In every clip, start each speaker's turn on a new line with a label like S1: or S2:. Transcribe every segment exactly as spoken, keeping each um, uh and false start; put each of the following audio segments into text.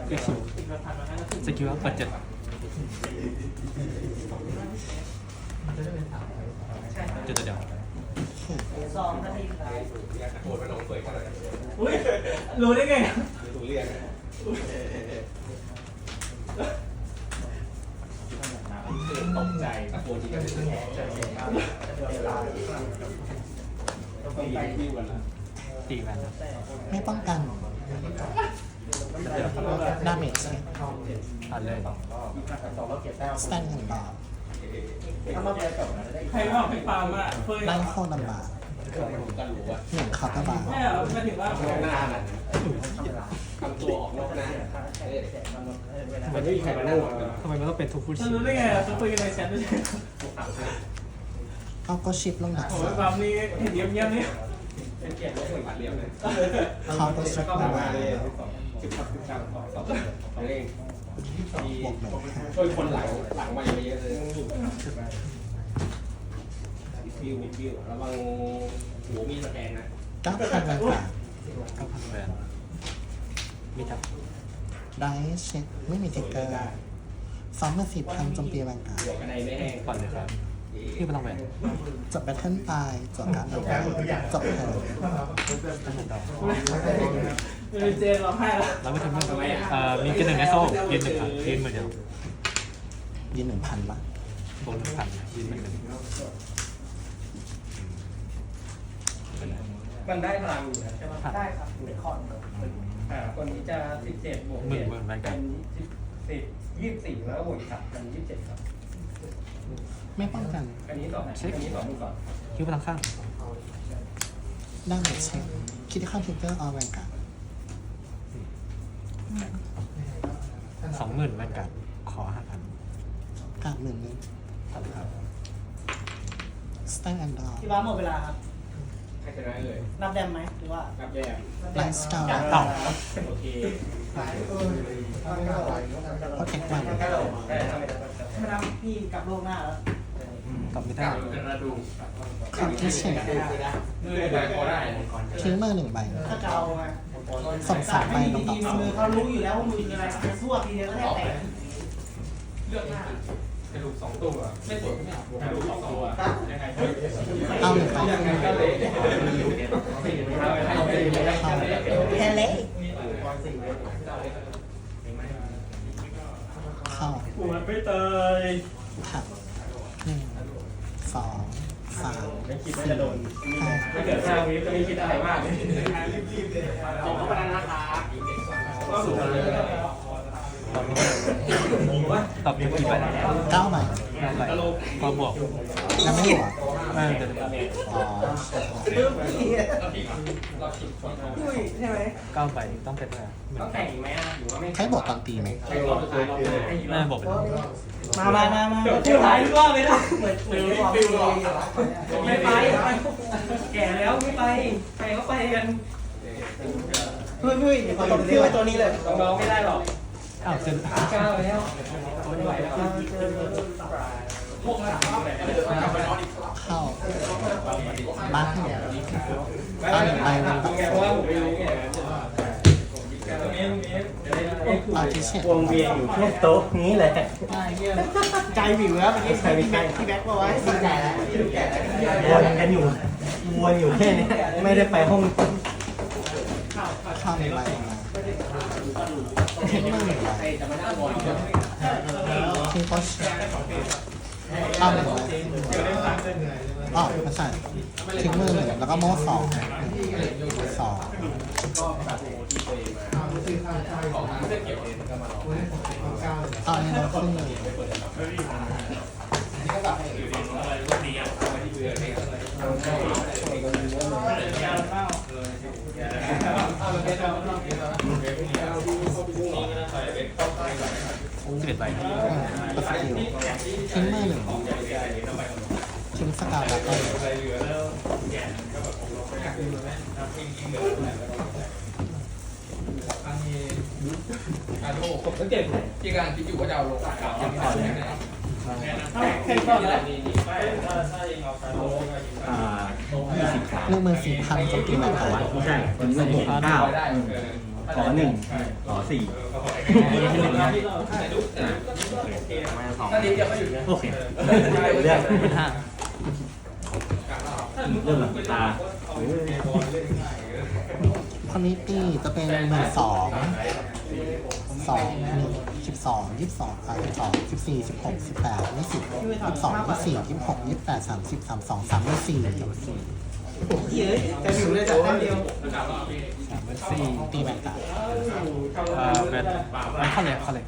S1: อีกคิวสกิลว่าเปิดเจ็ดเจ็ดเดียว
S2: สองนาที
S3: โหดไปลงเปิดกันเลย
S2: อุ้ยรู้ได้ไง
S3: ถูเรียนตกใจตะโกนทีก็ไม่แข็งต้องไปวิวกันละ
S1: ตีแวนนะ
S4: ไม่ป้องกันดาเมจเช็ค
S1: ผ่านเลย
S4: สแตนหนึ่งบาท
S2: ใครบอกพี่ปาล์มอ่ะเคย
S4: ไล่เข้าลำบาก
S3: ผมก็รู้ว่า
S4: หนึ่งคาร์บาร์
S2: แม่เหรอไม่ถึงว่า
S3: ออกหน้าน่ะทำตัวออกนอกหน้ามันไม่มีใครมานั่งหรอก
S1: ทำไมมันต้องเป็นทุกผู้
S2: จะ
S1: ชี
S2: รู้ได้ไงอ่ะจะคุยกันในแชทด้วย
S4: เอาก็ชิปลงดัก
S2: โอ้
S4: สาย ม
S2: ปาล์มนี่เห็นเยี่ยมๆนี่
S3: เป็นเกียรติไม่ควรผ่านเรียบเลย
S4: คาร์ก็ชิปลงดัก
S3: สิบสามสิบสามสองสองเล่ง
S4: บวกหนึ่งห้า
S3: ช่วยคนหลังหลังมาเยอะเลยฟิวฟิวระวังหัวมีสแกนนะ
S4: เก้าพันแวนการ์ด
S1: เก้าพันแวนมีทับ
S4: ได้เช็คไม่มีเทคเกอร์สองเมื่อสี่พันโจมตีแวนการ์ด
S3: หัวกระไดไม่แห้ง
S1: ผ่านเลยครับพี่พลังแวน
S4: จบแบทเทิลตายจบการ์ดตายจบเทิร์น
S1: ตั้งแต่ดอก
S2: มีเจนร้องไห้แล้ว
S1: แล้วไม่ทำเรื่องเอ่อมีกินหนึ่งในโซ่ยืนหนึ่งครับยืนเหมือนเดิม
S4: ยืนหนึ่งพันบาท
S1: บวกหนึ่งพันยืนเหมือนเดิม
S3: มันได้พลังอยู่นะใช่ไหม
S1: ผ่าน
S2: ได้ครับเป็นคอน
S3: อ่าคนนี้จะสิบเจ็ดบวก
S1: หมื่นหมื่นแวนการ์ด
S3: สิบยี่สิบสี่แล้วก็บวกสับเป็นยี่สิบเจ็ดครับ
S4: ไม่ป้องกัน
S3: อันนี้ต่ออันนี้ต่อมือก่อน
S1: คิวพลังข้าง
S4: ดาเมจเช็คคิดที่เข้าเทคเกอร์เอาแวนการ์ด
S1: สองหมื่นแวนการ์ดขอห้าพัน
S4: การ์ดหมื่นหนึ่ง
S1: ผ่านเลยครับ
S4: สแตนแอนด์ดอร์
S2: พี่บ้าหมดเวลาครับ
S3: ให้ชนะเลย
S2: นับแดมไหมหรือว่า
S3: นับแยก
S4: ไลฟ์สไตล์
S1: ต่อ
S3: โอเค
S4: เพราะเทควัน
S2: ไม่นับพี่กลับโลกหน้าแล้ว
S1: กลับไม่ได้
S4: คาร์ที่เช็ค
S3: มือได้พอได้
S4: ทิ้งมือหนึ่งใบ
S2: ถ้าเกาไง
S4: ส่งสามใบลงดอก
S2: ที
S4: สอง
S2: มือเขารู้อยู่แล้วว่ามือคืออะไรจะสู้ทีเดียวก็แทบแตก
S3: เลือกหน้ากระดูกสองตัวไม่สวยไม่เอากระดูกสองตัวยังไง
S4: เอาหนึ่งใบ
S3: ยังไงก็เละ
S2: แทนเละ
S4: เข้า
S2: ปวดไม่เตย
S4: ผักหนึ่งสองสาม
S3: ไม่คิดว่าจะโดน
S4: ห้า
S3: ถ้าเกิดห้าวิก็ไม่คิดอะไรมากขอเข้ามานะคะก็สูงเลย
S1: ตอบมีกี่ใบ
S4: เก้าใบ
S1: ห้าใบพอบวก
S4: ยังไม่บวก
S1: เออเดี๋ยว
S4: อ๋อ
S2: อุ้ยใช่ไหม
S1: เก้าใบต้องเป็นอะไรหมื่
S3: ต้อง
S1: น
S3: แต่งอีกไหมหรือว่าไม่
S4: ใช้บวกตอนตีไหม
S3: ใช้รอบสุดท้าย
S1: น่าจะบอกเป็น
S2: มามามามาเที่ยวหายรอบเลยนะเหมือนเหมือนบอกไม่ไปแก่แล้วไม่ไปไปก็ไปกันเฮ้ยเฮ้ยต้องเที่ยวตัวนี้เลย
S3: น้องๆไม่ได้หรอก
S1: อ้าวเซ็น
S3: ก้าวแล้วไม่ไหวแล้วพวกนั้น
S4: เข้าบ้านเอาหนึ่งใบลงดอก
S3: ไง
S4: ส
S3: เพ
S4: อ
S3: ราะ
S4: ง
S3: ว่าผมไม่รู้ไงตรงนี้ตรงนี้
S4: เอาที่เช็คว
S5: งเวียนอยู่แค่โต๊ะนี้แหละ
S2: ใจวิวแล้วเมื่อกี้ใครพี่แบ็คพี่แบ็คบอกว่าดีใจแล้ว
S5: วนกันอยู่วนอยู่แค่นี้ไม่ได้ไปห้อง
S4: เข้าหนึ่งใบลงมาทิ้งมือหนึ่งใบ
S3: จะมานั่งบอล
S4: ทิ้งโพสเอาหนึ่งใบอ๋อมาใส่ทิ้งมือหนึ่งแล้วก็โม่สองสองเอาอันนี้เราขึ้นเลย
S1: สิบเอ็ดใบ
S4: เออก็สกิลทิ้งมือหนึ่งทิ้งสกาวดับเบิล
S3: ผมสังเกตที่กำลังคิดอยู่ว่าจะเอาลงยังไม่ได้ไหน
S2: แค่ก่อนแล้ว
S5: อ่ายี่สิบสาม
S4: หนึ่งหมื่นสี่พันโจมตีแวนการ์ด
S5: ไม่ใช่วันนี้มันหกเก้า
S3: ได้
S5: ขอหนึ่งขอสี่มาสองโอเคเรื่อง
S1: เป็นห้า
S5: เรื่องตา
S4: คนนี้ปีจะเป็นหนึ่งสองสองหนึ่งสิบสองยี่สิบสองอ่ะสิบสองสิบสี่สิบหกสิบแปดยี่สิบยี่สิบสองยี่สิบสี่ยี่สิบหกยี่สิบแปดสามสิบสามสองสามยี่สี่
S2: เยอะแต่อยู่เลยจากแต้มเดียว
S1: สามเป็นสี่
S4: ตีแบนกัน
S1: เอ่อเป็นมันเข้าเลยเข้าเลย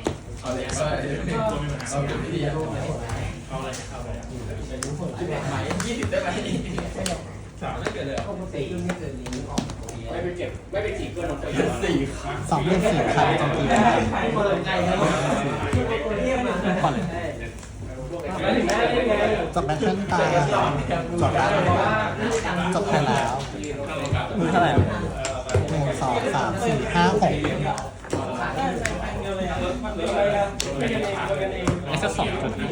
S3: ไม่ไปเก็บไม่ไปจีบเพื่อนของตัวเอง
S5: สี่
S4: สองหมื่นสี่พันโจมตีได้
S2: เปิดไก่แล้วตัวเทียบมา
S1: เข้าเลย
S2: ไม่ถึงได้ยังไง
S4: จบแบทเทิลตาจบแล้วจบไปแล้ว
S1: มือเท่าไหร่
S4: หนึ่งสองสามสี่ห้าหก
S1: เอสสองจุด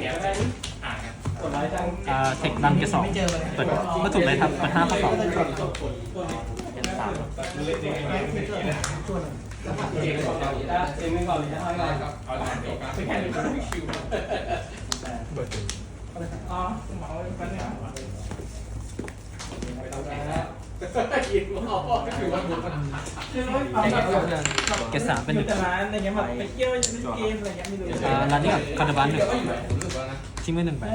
S1: อ่าเทคดันเกสองเปิดเมื่อถูกเลยครับเปิดห้าข้อสอง
S5: เป็นสาม
S2: เองก่อนเลยเองไม่ก่อนเลยนะเอาก่อนไปแค่หนึ่งคิวอ๋อหมอไปเนี่ย
S3: กินหม้อก็คือว่ามัน
S2: คือว่าเอาแบบ
S1: เกสสามเป็นหนึ่ง
S2: แต่ร้านอะไรเงี้ยแบบไปเที่ยวเล่นเกมอะไรเงี้ยไม่รู้
S1: อ่าร้านนี้กับคาร์ดบันหนึ่งทิ้งไว้หนึ่งไป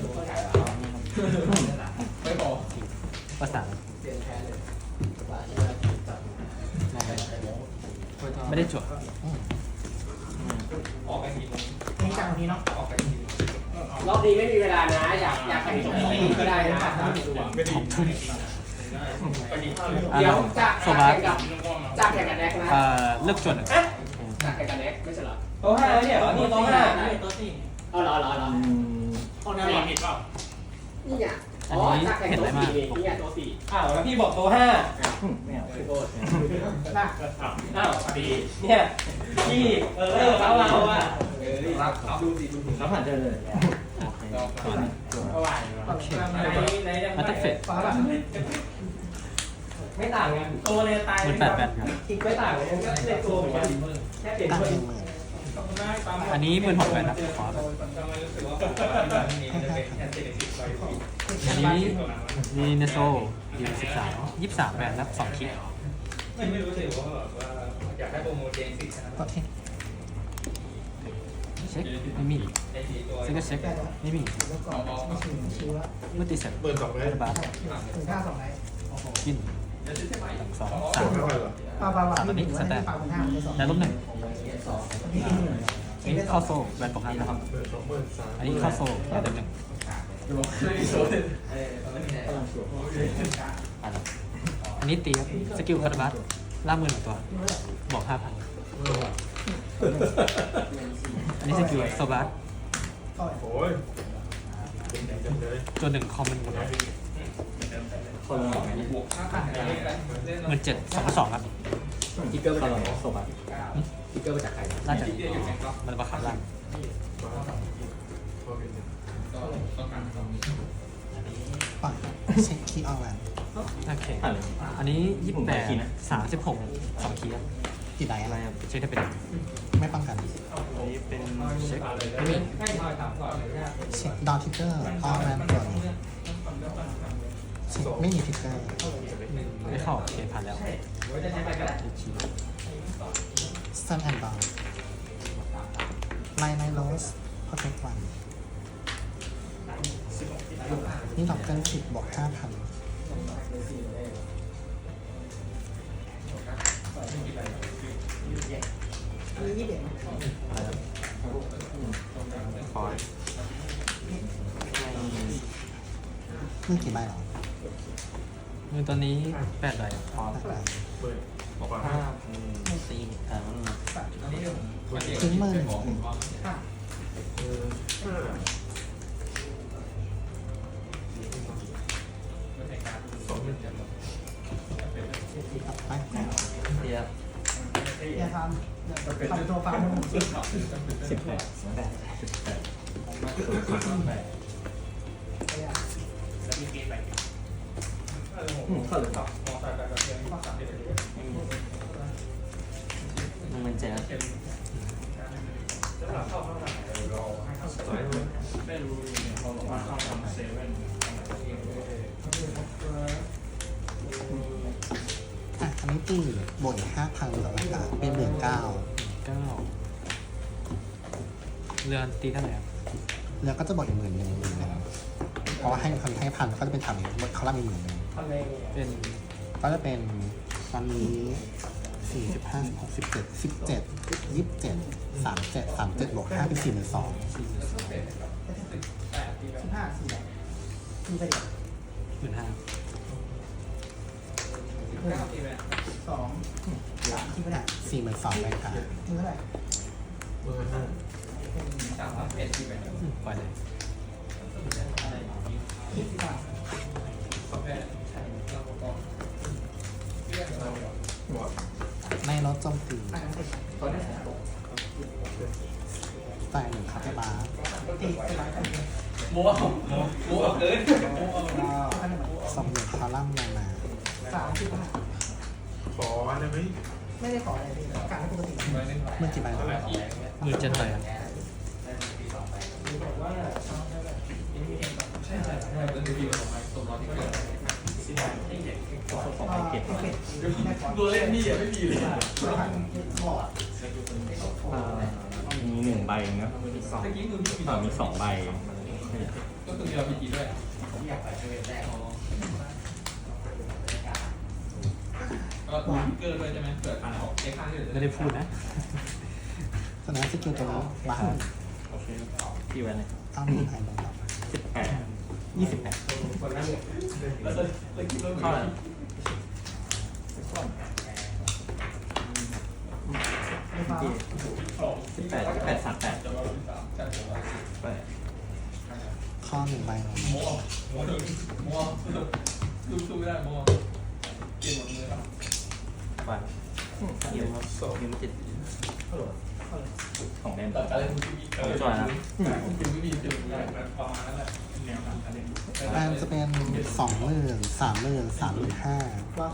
S3: ไม่พอ
S1: ประสานไม่ได้จด
S3: ออกไปที
S2: นี่จังนี้เนาะ
S3: ออกไปทีรอบนี้ไม่มีเวลานะอยากอยากไปจบที่ก็ได้นะ
S1: ของทุ่ม
S3: เดี๋ยวจากแข่งกับจากแข่งกับแน็กนะ
S1: เอ่อเลือกจดหนึ่ง
S3: จากแข่งกับแน็กไม่ใช่เหรอ
S2: โต๊ะห้าเนี่ยเหรอนี่โต๊ะห้า
S3: เอาเหรอเหรอเหรอ
S5: อืม
S3: เอาแนวผิดเปล่านี่อ่ะอ๋อจากแข่งตัวสี่นี่ไงตัวสี่
S2: อ้าวแล้วพี่บอกโต๊ะห้า
S5: ไม่เอา
S3: โทษ
S2: อ้าวดีเนี่ยพี่เออเราเราอ่ะ
S3: รับดูสิดูสิ
S5: แล้วผ่านเจอเลย
S3: เท่าไหร่
S2: ไหนไหน
S1: มาตัดเฟส
S2: ไม่ต่างกันตัวเลยตาย
S1: มันแปดแบนครับ
S2: คิดไม่ต่างกันก็ในตัวเหมือนกันแค่เปลี่ยน
S4: ตั้ง
S2: คน
S4: หนึ่งหมื่น
S1: อันนี้หมื่นหกแบนครับขออันนี้มีเนโซอยู่สิบสามยี่สิบสามแบนครับสองคิด
S3: ไม่รู้สิว่าแบบว่าอยากได้โปรโมทเองสิ
S4: ก็เทค
S1: เช็คไม่มีซึ่งก็เช็คไม่มีเมื่อตีเสร็จเปิดสองเลยบาท
S2: ถึงค่าสองไหน
S1: กินหนึ่งสองสาม
S2: ปลาปลาปลา
S1: สามอันนี้สแตน
S2: ปลาเป็นห้าเป็นสอง
S1: แล้วลบหนึ่งอันนี้เข้าโซ่แบนปกตินะครับอันนี้เข้าโซ่แบนหนึ่งอันนี้ตีครับสกิลคาร์บัสล่ามือหนึ่งตัวบอกห้าพันอันนี้สกิลโซบัสตัวหนึ่งคอมมันหมดเลย
S5: คนละสองไหมเนี่ย
S1: หมื่นเจ็ดสองสองครับ
S5: ทิกเกอร์คนละโซบัสทิกเกอร์มาจากใคร
S1: น่าจะมันประคับล่าง
S4: ปล่อยเช็คคีย์ออนไลน์
S1: โอเค
S5: ผ่านเลย
S1: อันนี้ยี่สิบแปดสามสิบหกสองคีย์ครับ
S4: กี่ได
S5: อะ
S4: อะไร ไร
S5: ครับ
S1: เช็คได้เป็น
S4: ไม่ป้องกัน
S5: อันนี้เป็น
S1: เช็คไม่มี
S4: เช็คดาวทิกเกอร์ออนไลน์ตัวนี้เช็คไม่มีทิกเกอร์
S1: ไม่เข้าโอเคผ่านแล้ว
S4: ซันแอนด์บอลไลน์ไลน์โรสพอเทควันนี่ดอกเกินสิบบวกห้าพัน
S5: คอย
S4: นี่กี่ใบหรอ
S1: มือตัวนี้แปดใบ
S5: คอยบอกว่าห้าพันสี่อ่า
S4: ทิ้งมือหนึ่งหนึ่งไป
S5: เทียบ
S2: อย่าทำทำตัวฟาร์ม
S5: สิบแปดแปดสิบแปดอืมเข้าเลยครับ
S1: นึ่งหมื่นเจ็ด
S4: อ่ะอันนี้ตีบนห้าพันต่ออากาศเป็นหมื่นเก้า
S1: เก้าเรือนตีเท่าไหร่ครับ
S4: แล้วก็จะบดอีกหมื่นหนึ่งหมื่นหนึ่งเพราะว่าให้พันให้พันก็จะเป็นทำอีกบดเขาล่ามีหมื่นหนึ่ง
S1: เป็น
S4: ก็จะเป็นตอนนี้สี่สิบห้าหกสิบเจ็ดสิบเจ็ดยี่สิบเจ็ดสามเจ็ดสามเจ็ดบวกห้าเป็นสี่หมื่นสอง
S2: สิบห้าสี่มีไปเดียว
S1: หมื่นห้า
S2: สองสามที่ไม่ได้
S4: สี่หมื่นสองเลยค่ะ
S2: มือเท่าไหร่
S1: ปล่อยเลย
S2: ยี่สิบบาท
S4: ไม่ลดโจมตี
S2: อ่านเสร็จ
S4: แต่หนึ่งคาเฟ่บาร์
S2: ตีไปร้านกัน
S3: โม้โม้โม้เกิน
S4: สองหมื่นคอลัมน์มามา
S2: สามสิบห้า
S6: ขอได้ไหม
S2: ไม่ได้ขออะไรเลยการให้ปกติ
S4: เมื่อกี่ใบครับ
S1: หมื่นเจ็ดใบครับ
S3: ดูเล่นนี่อ่ะไม่มีเลย
S5: มีหนึ่งใบเนาะ
S3: เมื่อกี้คือพี่
S5: อ่ามีสองใบ
S3: ก็คือมีเราพีจีด้วยก็เกินเลยใช่ไหมเกิดผ่านออกเช็คข้างที่เหลือ
S1: ไม่ได้พูดนะ
S4: ฉะนั้นสกิลตัวนี้บาร์
S5: ที่ไว้เลย
S4: เอาหนึ่งไฮโลดอก
S5: สิบแปด
S1: ยี่สิบแปด
S3: แล้วเลยเลยคิดว่า
S5: เท่าไหร่
S2: ไม่ฟ้า
S5: สิบแปดสิบแปดสามแปดแปด
S4: ข้อหนึ่งใบลงมา
S3: โม้โม้โม้ดูสู้ไม่ได้โม้เกมหมดเลยครับ
S5: ไปยิมครับยิมจิตของเล่น
S3: แต่การเล่นทีวีเออจอยนะทีวีมีจุดประมาณนั้นแหละแนวทางการเล่น
S4: แบนจะเป็นสองหมื่นสามหมื่นสามหมื่นห้า
S2: ว่า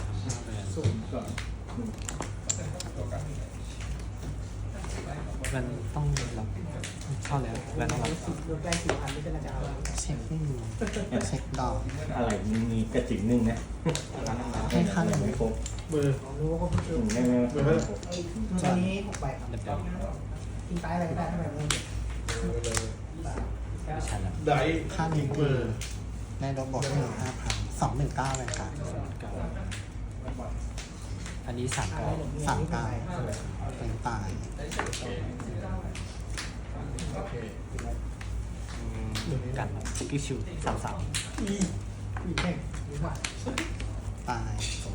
S1: มันต้องรับเข้าแล้วแล้วต้องรับ
S2: สิบรวมได้สี่พันไม่ใช่นะจ๊ะ
S4: เช็คไม่มีเช็คดอก
S5: อะไรมีกระจิ๋งหนึ่งนะ
S4: ให้ค่าหนึ่ง
S5: ไม่ครบ
S6: เบอร์
S2: รู้ว่าเขาคือ
S5: ไม่ไม่ไม่ครบ
S2: ไอ้ตอนนี้หกใบครับ
S1: เดิม
S2: ทิ้งตายอะไรก็ได้ถ้าแบบนี้
S1: ๆไม่ใช่แล้ว
S6: ได้
S4: ค่าหนึ่ง
S6: เบ
S4: คือ
S6: ร์
S4: ในดอกบวกให้หนึ่งห้าพันสองหนึ่งเก้าเลยค่ะ
S1: เก้าอันนี้สามเก้า
S4: สามเก้าเป็นตาย
S1: กันสกิลชิวสามสาม
S2: อีอีแข่งดีกว่า
S4: ตายตัว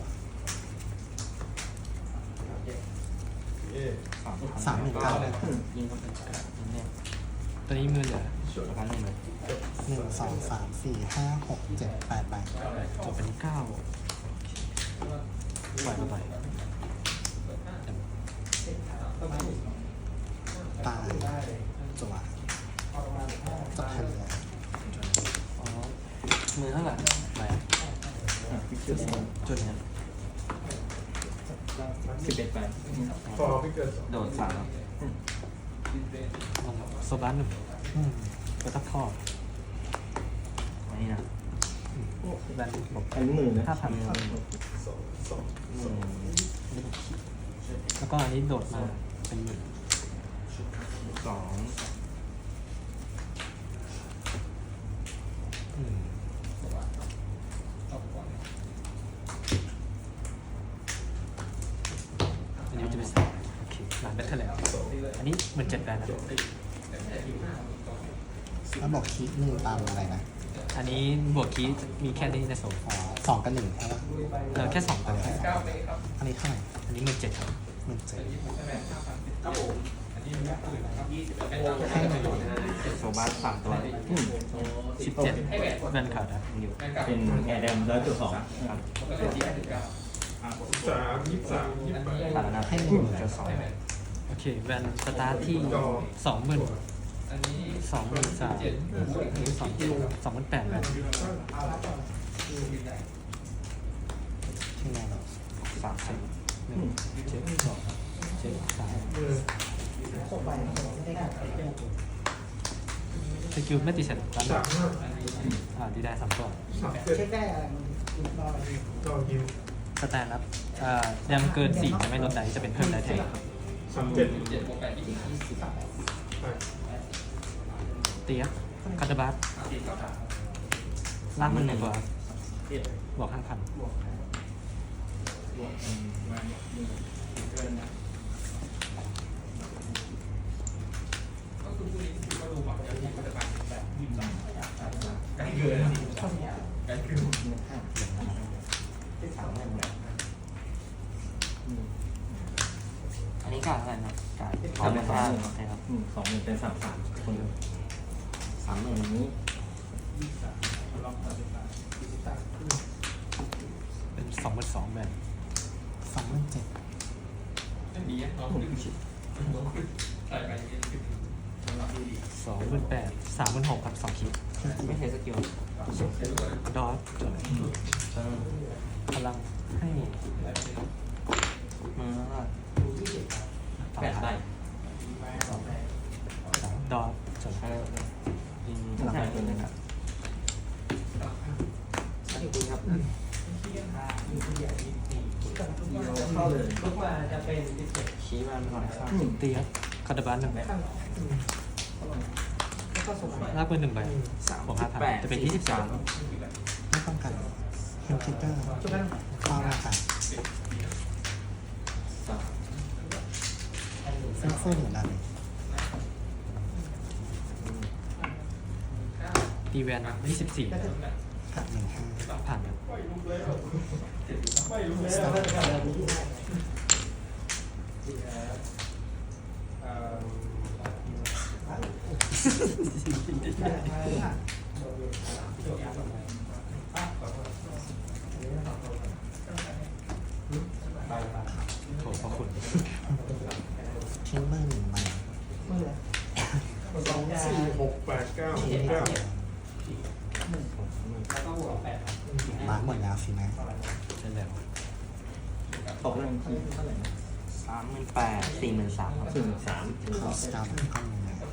S6: เอ๊ะ
S4: สามหนึ่งเก้าเลยค่ะ
S1: ยิงเข้าไปเนี่ยตัวนี้มือเหลือประมาณหนึ่งเลย
S4: หนึ่งสองสามสี่ห้าหกเจ็ดแปดใบ
S1: จบเป็นเก้าปล่อยเข้าไป
S4: ตายจัวจบทันเลย
S1: อ๋อมือเท่าไหร่ไปจุดนี้
S5: สิบเอ็ดใบ
S6: พอไม่เกินสอง
S1: โดดสามโซบัสหนึ่ง
S4: อืม
S1: ก็ตักข้ออันนี้นะแบนบอก
S5: อันนี้หมื่นนะ
S1: ห้าพัน
S6: สองสองสอง
S1: แล้วก็อันนี้โดดมาเป็นหมื่น
S5: สอง
S1: อืมอันนี้มันจะเป็นสามโอเคหลังแบทเทิลแล้ว อันนี้เหมือนเจ็ดแบนนะ
S4: แล้วบอกคีหนึ่งตามอะไรนะ
S1: อันนี้บวกคีย์มีแค่นี้ในโซน
S4: อ๋อสองกับหนึ่งใช่ปะ
S1: เออแค่สองตัว
S4: แค่สองอันนี้เท่าไหร่
S1: อันนี้หมื่นเจ็ดครับ
S4: หนึ่งเจ็ด
S5: ให้หนึ่งโซบัสสามตัวอืม
S1: สิบเจ็ดแบนขาดนะนิว
S5: เป็นแอร์แดมร้อยจุดสองครับ
S6: สามยี่สิบสามยี่สิบแปด
S1: ขาดแล้วนะ
S4: ให้หนึ่ง
S1: จุดสองโอเคแบนสตาร์ทที่สองหมื่นสองหมื่นสามหรือสองสองหมื่นแปดแบน
S4: ที่ไหนเนาะ
S1: สามสิบหนึ่งเจ็ดสองจ็ดสาม
S6: มือ
S2: หกใบไม่ได้กัด
S1: สกิลไม่ติดเสร็จแล้ว
S6: สามห้า
S1: อ่าดีได้สามตัว
S6: สามเจ็ด
S2: เช็คได้อะไรมันรออะไร
S6: รอยิว
S1: สแตนรับอ่ายังเกินสี่จะไม่ลดไดจะเป็นเพิ่มไดแทน
S6: สามเจ็ด
S1: เตียคาตาบัสล่างมันหนึ่งตัวบวกห้าพันอันนี้กาดอะไรนะกาด
S5: สองหมื่นสองหมื่น
S1: ใช่ครับ
S5: อืมสองหมื่นเป็นสามสามคนสามหมื่นนี้
S1: เป็นสองหมื่นสองแบบ
S4: สองหมื่นเจ็ด
S1: สองหมื่นแปดสามหมื่นหกครับสองคิด
S5: ไม่ใช่สกิล
S1: ดอสจดพลังให้
S5: มือว่า
S1: สอง
S5: แปดใบ
S1: ดอสจด
S5: เอออืมพลังตัวนึงครับสกิลครับ
S2: เข้าเลยลุกมาจะเป็นดิสเซ็ต
S5: ชี้มาหน่อยครับ
S1: เตียคาตาบัสหนึ่ง
S2: ข้างแล้วก็ส่งไป
S1: ลากปืนหนึ่งใบบวกห้าพันจะเป็นยี่สิบสาม
S4: ไม่ป้องกันฮิวทิกเกอร์
S2: จุดนั้น
S4: เข้าราคา
S5: สาม
S4: ซึ่งฟูหนึ่งดาเมจ
S1: ตีแวนยี่สิบสี่
S4: กัดหนึ่งห้า
S1: ผ่านครับ
S4: สตาร์
S1: โถพระคุณ
S4: ทิ้งเบอร์หนึ่งใบ
S2: มือเลย
S6: สองสี่หกแปดเก้าเก้า
S4: มาร์กหมดแล้วสินะ
S1: ใช่แล้ว
S5: ตกเรื่องที่เท่าไหร่นะสามหมื่นแปดสี่หมื่นสามครับสี่หมื่นสาม
S4: เข้าสตาร์ทเข้ามือนะ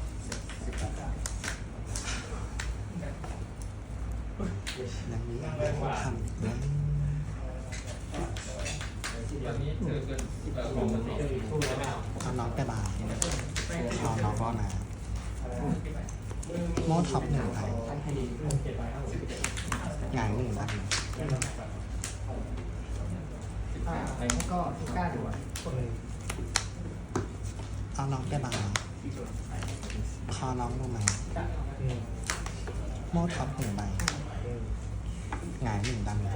S4: ดังนี้ทำนะเอาน้องไปบาร์เอาน้องก็มาโมท็อปหนึ่งไปหงายหนึ่งดัน
S2: อ่าแล้วก็กล้าดู
S4: เอาน้องไปบาร์คอน้องลงมาโมท็อปหนึ่งใบหงายหนึ่งดัน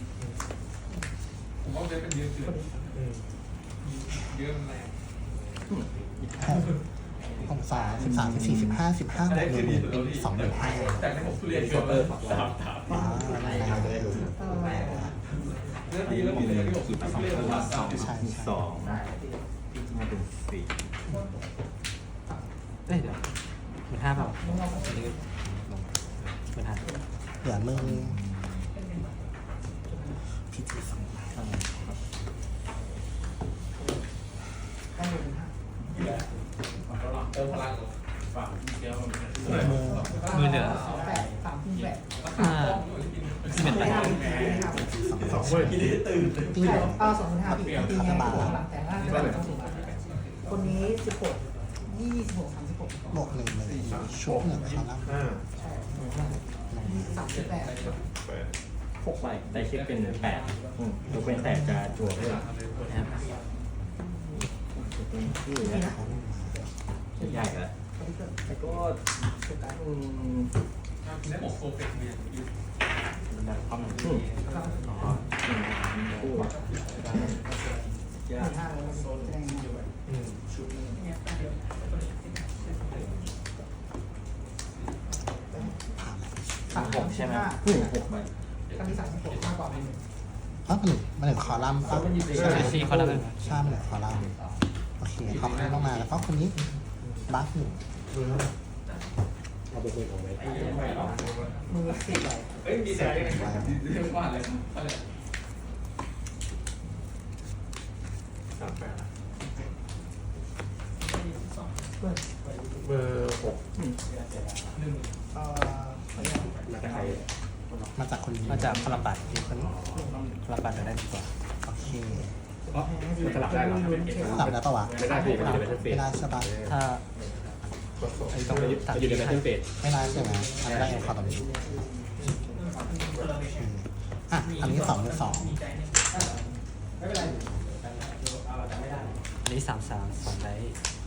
S4: หกสามสิบสามสิบสี่สิบห้าสิบห้าบวกหนึ่งหมื่นเป็นสองหมื่นห้าอ๋อไม่ได้ใช่ใช่
S5: สองมาเป็นสี่
S1: เอ้ยเดี๋ยวหมื่นห้าเปล่าอันนี้ลงหมื่นห้า
S4: เหลือมือพีจีสองใบ
S2: ได้หนึ่งห้า
S1: มือเหนือ
S2: แปดสามแปด
S1: ห้าสิบเอ็ดใบ
S6: สองเว้ย
S4: ตี
S2: เอาสองพันห้าปีตีไงหลังแต่ล่างต้องสูงคนนี้สิบหกยี่สิบหกสามสิบหก
S4: บวกหนึ่งเลยชุดหนึ่งคอลัมน์
S6: ห้า
S2: ใช่สามสิบแปด
S6: แปด
S5: หกใบได้เช็คเป็นแปดอืมยกเป็นแต่จะจั่วเพิ่มนะครับเป็นชื่อ
S2: นี่
S5: นะ
S2: นะ
S5: ใหญ่แล้วแล้วก็อืมดับความหนึ่งอืมอ๋ออืมคู่ยาก
S2: ห้าเลยแสดง
S6: อืม
S4: ผ่านแล้ว
S2: สามหกใช่ไหม
S5: อืมหกใบ
S2: ครั้งที่สามสิบหกมากกว่าหนึ่ง
S4: อ๋อมันหนึ่งมันหนึ่งคอลัมน์ป่ะ
S1: เจสซี่เขาแล้วกัน
S4: ใช่มันหนึ่งคอลัมน์โอเคขอบคุณมากมาแล้วก็คนนี้บัฟหนึ่ง
S6: มือ
S2: มือสี่ใบ
S4: เสร็จแล้ว
S6: สามแปดเบอร์หก
S4: เอ่อ
S5: มาจากใคร
S4: มาจากคนนี้
S1: มาจากพลังบัตรคนนี้พลังบัตรได้ดีกว่า
S4: โอเค
S5: อ๋อมันสลับได้เหรอ
S4: สับได้ปะวะ
S5: ไม่ได้สิมันอยู่ในแบทเทิลเฟ
S4: ไม่
S5: ส
S4: ได้ใช่ปะ
S1: ถ้า
S6: กดสอง
S1: ไอ้ต้องตัด
S5: อยู่ในแบทเทิลเฟส
S4: ไม่ได้ใช่ไหมอันนี้ได้เอ็นคอร์ตอนนี้อืมอ่ะอันนี้สองหรือสอง
S1: อันนี้สามสามสองได้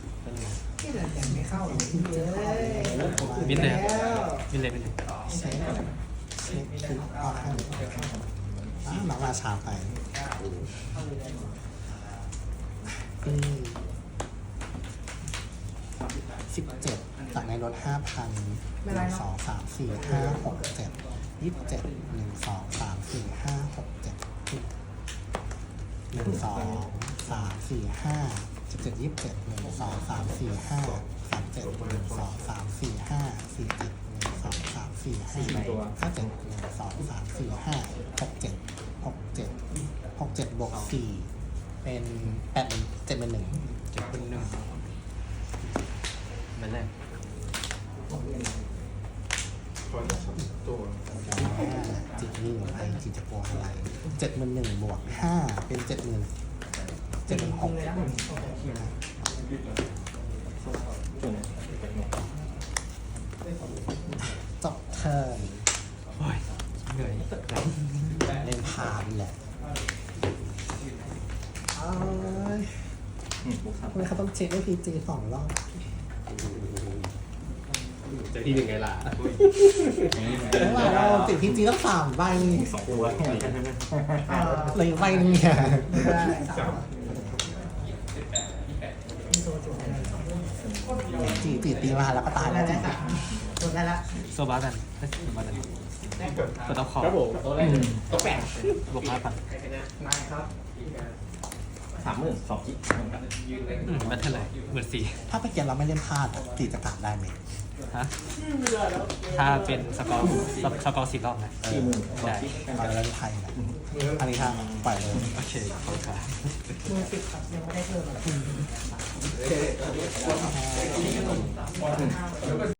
S1: มิดเลยมิดเลยมิดเลย
S4: เช็คเช็คคือเอาให้อ่ะน้องราชาไปอืมสิบเจ็ดจากในรถห้าพันหนึ่งสองสามสี่ห้าหกเจ็ดยี่สิบเจ็ดหนึ่งสองสามสี่ห้าหกเจ็ดหนึ่งสองสามสี่ห้าสิบเจ็ดยี่สิบเจ็ดหนึ่งสองสามสี่ห้าสามเจ็ดหนึ่งสองสามสี่ห้าสี่เจ็ดหนึ่งสองสามสี่ห้าห้าเจ็ดหนึ่งสองสามสี่ห้าหกเจ็ดหกเจ็ดหกเจ็ดบวกสี่เป็นแปดเป็นเจ็ดเป็นหนึ่ง
S1: เจ็ดเป็นหนึ่งเป็นแรก
S6: คอยจะสองตัว
S4: จิตนี่หรือไอจิตจะบวกอะไรเจ็ดหมื่นหนึ่งบวกห้าเป็นเจ็ดหมื่นเจ็ดหมื่นหกจบเทิร์น
S1: โอ้ยเหนื่อย
S4: เล่นพาดีแหละเอ้ยทำไมเขาต้องเช็คด้วยพีจีสองรอบ
S5: เจอที่หนึ่งไงล่ะ
S4: แล้วเราติดพีจีต้องสามใบ
S5: สองตัว
S4: เลยใบนึงเนี่ย
S6: จับ
S4: จีจีตีมาแล้วก็ตายแล้วจี
S2: ได้ละ
S1: โซบาตันเฮ้ยโซบาตัน
S6: เกิด
S1: กดเอาคอ
S5: ครับผมตัวแรกตัวแปด
S1: บวกห้าพัน
S2: นายครับ
S5: สามหมื่นสองจิ๊ก
S1: อืมมันเท่าไหร่หมื่นสี่
S4: ถ้าไปเกียนเราไม่เล่นพลาดจีจะกลับได้ไหม
S1: ฮะถ้าเป็นสกอร์สกอร์สี่รอบนะ
S5: สี่หมื่นสอง
S1: ได้
S5: จิ๊ก
S4: เอาเล่นไทยนะอันนี้ทางปล่อยเลย
S1: โอเคขอบคุณครับ
S2: มือสิบครับยังไม่ได้เพิ่มอะไร